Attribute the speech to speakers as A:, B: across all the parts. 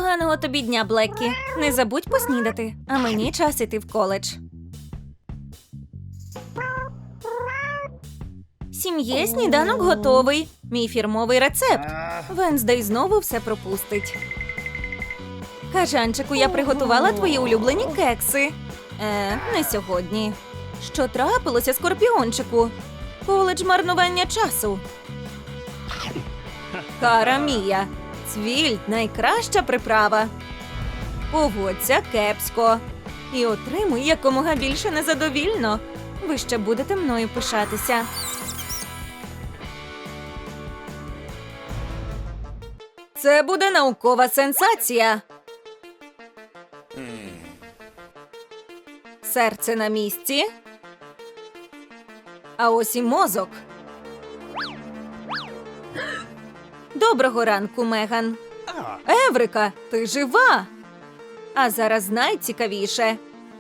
A: Поганого тобі дня, Блеккі. Не забудь поснідати, а мені час іти в коледж. Сім'є сніданок готовий. Мій фірмовий рецепт. Венздей знову все пропустить. Кажанчику, я приготувала твої улюблені кекси. Не сьогодні. Що трапилося, Скорпіончику? Коледж марнування часу. Кара Мія. Цвіль – найкраща приправа. Поводься кепсько. І отримуй якомога більше незадовільно. Ви ще будете мною пишатися. Це буде наукова сенсація. Серце на місці. А ось і мозок. Доброго ранку, Меган. Еврика, ти жива? А зараз найцікавіше.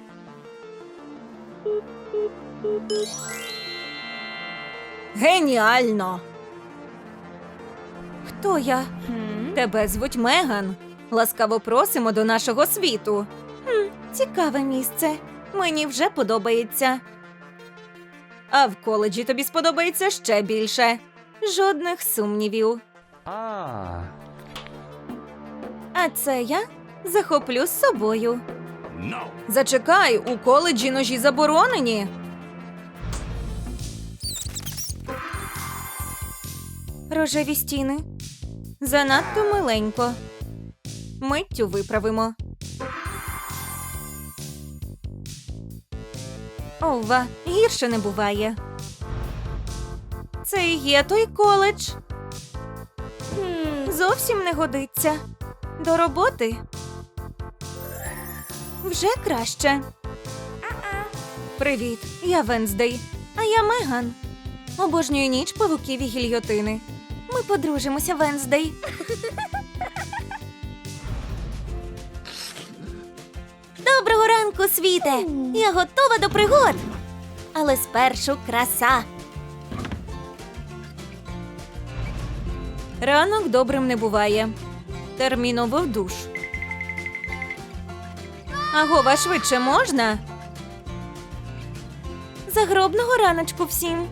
A: Геніально! Хто я? Тебе звуть Меган. Ласкаво просимо до нашого світу. Цікаве місце. Мені вже подобається. А в коледжі тобі сподобається ще більше. Жодних сумнівів. А це я захоплю з собою. Зачекай, у коледжі ножі заборонені. Рожеві стіни. Занадто миленько. Миттю виправимо. Ова, гірше не буває. Це і є той коледж. Зовсім не годиться. До роботи. Вже краще. Привіт, я Венздей, а я Меган. Обожнюю ніч павуків і гільйотини. Ми подружимося, Венздей. Доброго ранку, світе! Я готова до пригод. Але спершу краса. Ранок добрим не буває. Терміново в душ. Агова, швидше можна? Загробного раночку всім.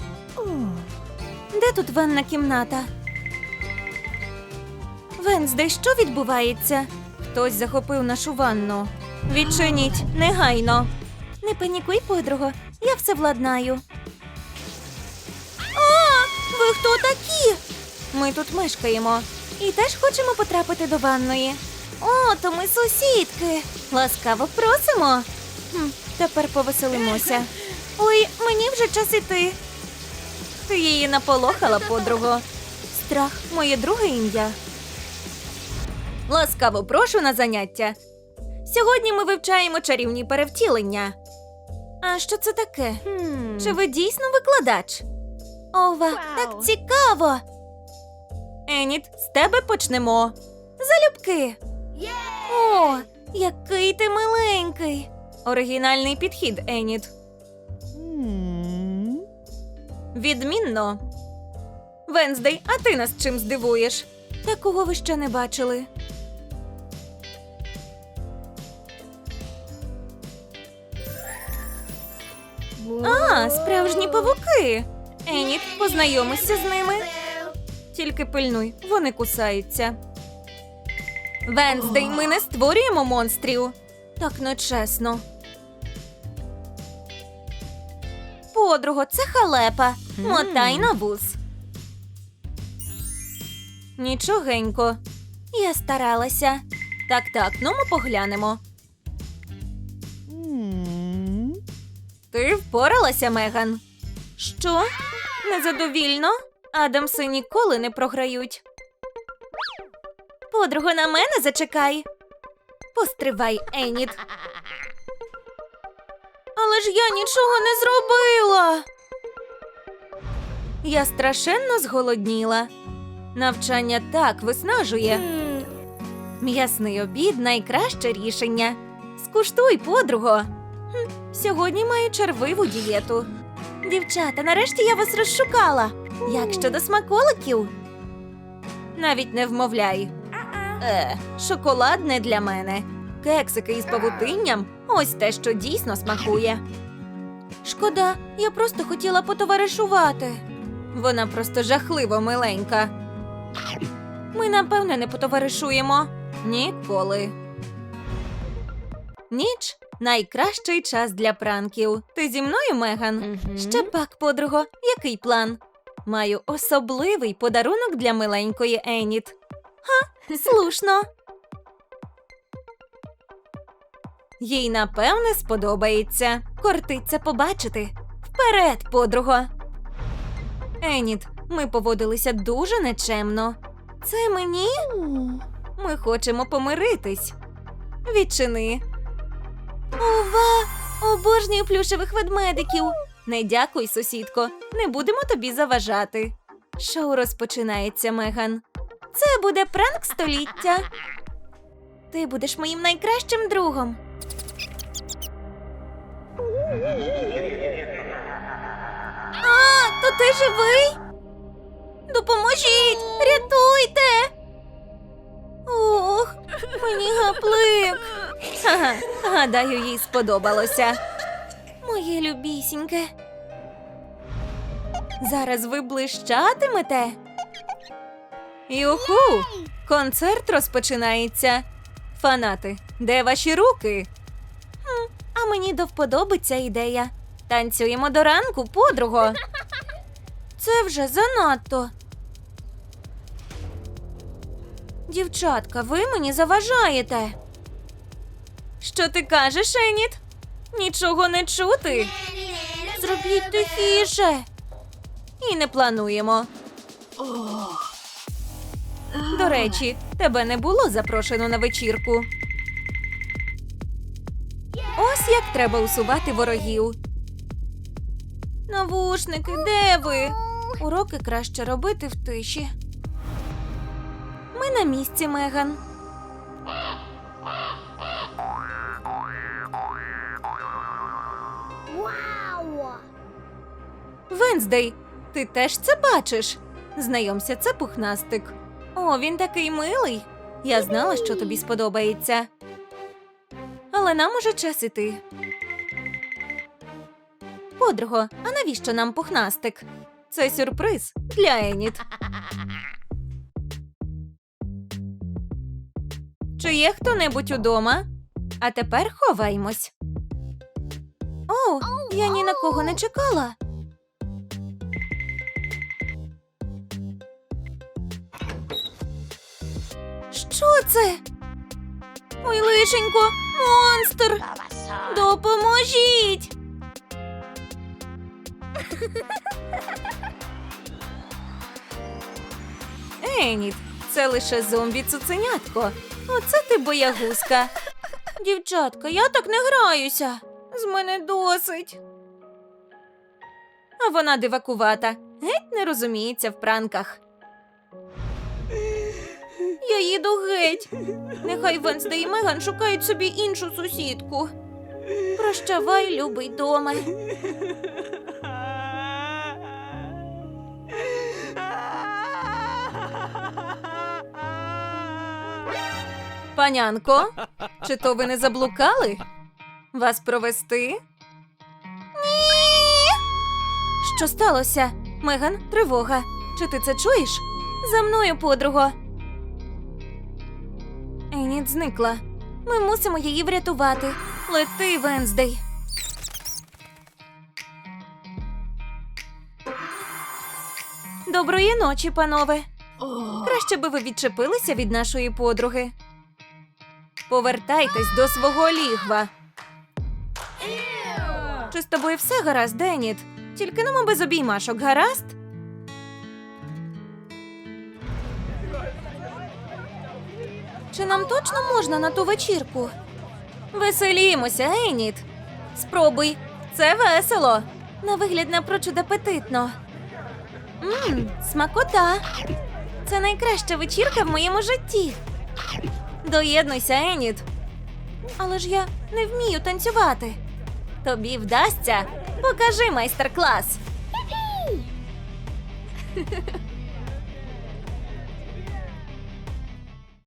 A: Де тут ванна кімната? Венздей, що відбувається? Хтось захопив нашу ванну. Відчиніть, негайно. Не панікуй, подруго, я все владнаю. А, ви хто такі? Ми тут мешкаємо і теж хочемо потрапити до ванної. О, то ми сусідки. Ласкаво просимо. Тепер повеселимося. Ой, мені вже час іти. Ти її наполохала, подруго. Страх – моє друге ім'я. Ласкаво прошу на заняття. Сьогодні ми вивчаємо чарівні перевтілення. А що це таке? Чи ви дійсно викладач? Ова, так цікаво. Еніт, з тебе почнемо. Залюбки. О, який ти миленький. Оригінальний підхід, Еніт. Відмінно. Венздей, а ти нас чим здивуєш? Такого ви ще не бачили. А, справжні павуки. Еніт, познайомишся з ними. Тільки пильнуй, вони кусаються. Венздей, ми не створюємо монстрів. Так нечесно. Подруго, це халепа. Мотай на вуз. Нічогенько. Я старалася. Так, ну ми поглянемо. Ти впоралася, Меган? Що? Незадовільно? Адамси ніколи не програють. Подруго, на мене зачекай. Постривай, Еніт. Але ж я нічого не зробила. Я страшенно зголодніла. Навчання так виснажує. М'ясний обід – найкраще рішення. Скуштуй, подруго. Сьогодні маю червиву дієту. Дівчата, нарешті я вас розшукала. Як щодо смаколиків? Навіть не вмовляй. Шоколад не для мене. Кексики із павутинням – ось те, що дійсно смакує. Шкода, я просто хотіла потоваришувати. Вона просто жахливо миленька. Ми, напевне, не потоваришуємо. Ніколи. Ніч – найкращий час для пранків. Ти зі мною, Меган? Ще пак, подруго. Який план? Маю особливий подарунок для миленької Еніт. Ха, слушно. Їй, напевне, сподобається. Кортиться побачити. Вперед, подруго! Еніт, ми поводилися дуже нечемно. Це мені? Ми хочемо помиритись. Відчини. Ова! Обожнюю плюшевих ведмедиків. Не дякуй, сусідко. Не будемо тобі заважати. Шоу розпочинається, Меган. Це буде пранк століття. Ти будеш моїм найкращим другом. То ти живий? Допоможіть! Рятуйте! Ох, мені гаплик. Ага, гадаю, їй сподобалося. Моє любісіньке. Зараз ви блищатимете. Юху! Концерт розпочинається. Фанати, де ваші руки? А мені до вподоби ця ідея. Танцюємо до ранку, подруго. Це вже занадто. Дівчатка, ви мені заважаєте. Що ти кажеш, Еніт? Нічого не чути. Зробіть тихіше. І не плануємо. До речі, тебе не було запрошено на вечірку. Ось як треба усувати ворогів. Навушники, де ви? Уроки краще робити в тиші. Ми на місці, Меган. Венздей, ти теж це бачиш? Знайомся, це Пухнастик. О, він такий милий. Я знала, що тобі сподобається. Але нам уже час іти. Подруго, а навіщо нам Пухнастик? Це сюрприз для Еніт. Чи є хто-небудь удома? А тепер ховаймось. О, я ні на кого не чекала. Що це? Ой, лишенько, монстр! Допоможіть! Еніт, це лише зомбі-цуценятко. Оце ти боягузка. Дівчатка, я так не граюся. З мене досить. А вона дивакувата. Геть не розуміється в пранках. Я їду геть. Нехай Венсдей і Меган шукають собі іншу сусідку. Прощавай, любий доме. Панянко, чи то ви не заблукали? Вас провести? Ні! Що сталося? Меган, тривога. Чи ти це чуєш? За мною, подруго. Еніт зникла. Ми мусимо її врятувати. Лети, Венздей. Доброї ночі, панове. Краще би ви відчепилися від нашої подруги. Повертайтесь до свого лігва. Чи з тобою все гаразд, Еніт? Тільки нам без обіймашок, гаразд? Чи нам точно можна на ту вечірку? Веселімося, Еніт. Спробуй, це весело. На вигляд напрочуд апетитно. Смакота. Це найкраща вечірка в моєму житті. Доєднуйся, Еніт. Але ж я не вмію танцювати. Тобі вдасться. Покажи майстер-клас.